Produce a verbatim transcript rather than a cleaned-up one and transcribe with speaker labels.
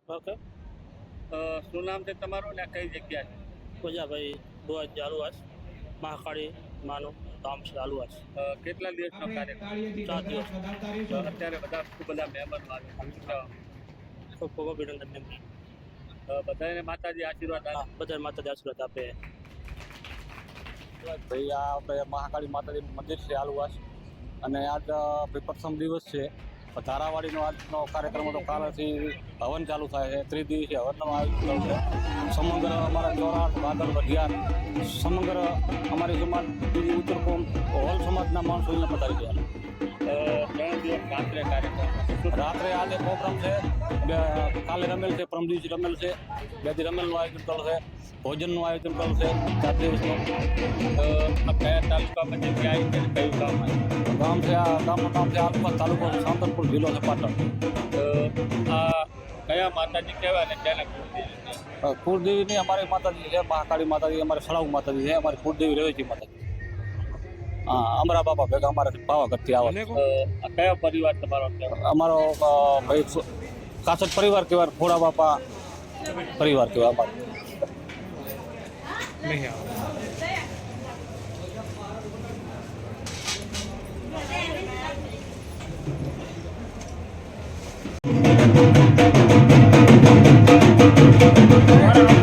Speaker 1: Okay.
Speaker 2: શું નામ છે તમારું ને કઈ જગ્યા છે?
Speaker 1: પૂજાભાઈ દુઆજ આલુવાસ મહાકાળી માનું ધામ છે આલુવાસ.
Speaker 2: કેટલા દિવસનો કાર્યક્રમ?
Speaker 1: ચાર દિવસ.
Speaker 2: અત્યારે બધા ખૂબ બધા મહેમાનો આવે,
Speaker 1: ખૂબ ખૂબ અભિનંદન એમ.
Speaker 2: બધાને માતાજી આશીર્વાદ
Speaker 1: હા,
Speaker 2: આપે.
Speaker 1: બધા માતાજી આશીર્વાદ આપે.
Speaker 3: ભાઈ આ આપણે મહાકાળી માતાજીનું મંદિર છે આલુવાસ, અને આજ ભાઈ પ્રથમ દિવસ છે. ધારાવાડીનો આજનો કાર્યક્રમ તો કાલથી હવન ચાલુ થાય છે. ત્રિદિવસીય હવનનું આયોજન છે. સમગ્ર અમારા ચોરાટ વાગડ વઢિયાર સમગ્ર અમારી સમાજ બીજી ઉત્તર કોમ હોલ સમાજના માણસો અહીંયા પધારી ગયા.
Speaker 2: ત્રણ દિવસ રાત્રે કાર્યક્રમ.
Speaker 3: રાત્રે આજે પ્રોગ્રામ છે, કાલે રમેલ છે, પરમ દિવસે રમેલ છે, બે દી રમેલનું આયોજન કરેલું છે, ભોજનનું આયોજન કરેલું છે ચાર દિવસનું.
Speaker 2: કયા તાલુકામાં જગ્યા આવી છે, કયું ગામ આવ્યું?
Speaker 3: ગામ છે આ ગામનું નામ છે આલુવાસ, તાલુકો સાંતરપુર, જિલ્લો છે પાટણ.
Speaker 2: આ કયા માતાજી કહેવાય ને ક્યાંના કુળદેવી?
Speaker 3: કુળદેવીની અમારી માતાજી છે મહાકાળી માતાજી, અમારે સળાઉ માતાજી છે, અમારી કુળદેવી રવેચી માતાજી. હા, અમરા બાપા ભેગા અમારે પાવાગઢથી આવે.
Speaker 2: કયો પરિવાર તમારો કહેવાય?
Speaker 3: અમારો ભાઈ કાસટ પરિવાર કહેવાય, ખોડા બાપા પરિવાર કહેવાય અમારો.
Speaker 2: નહીં આવે.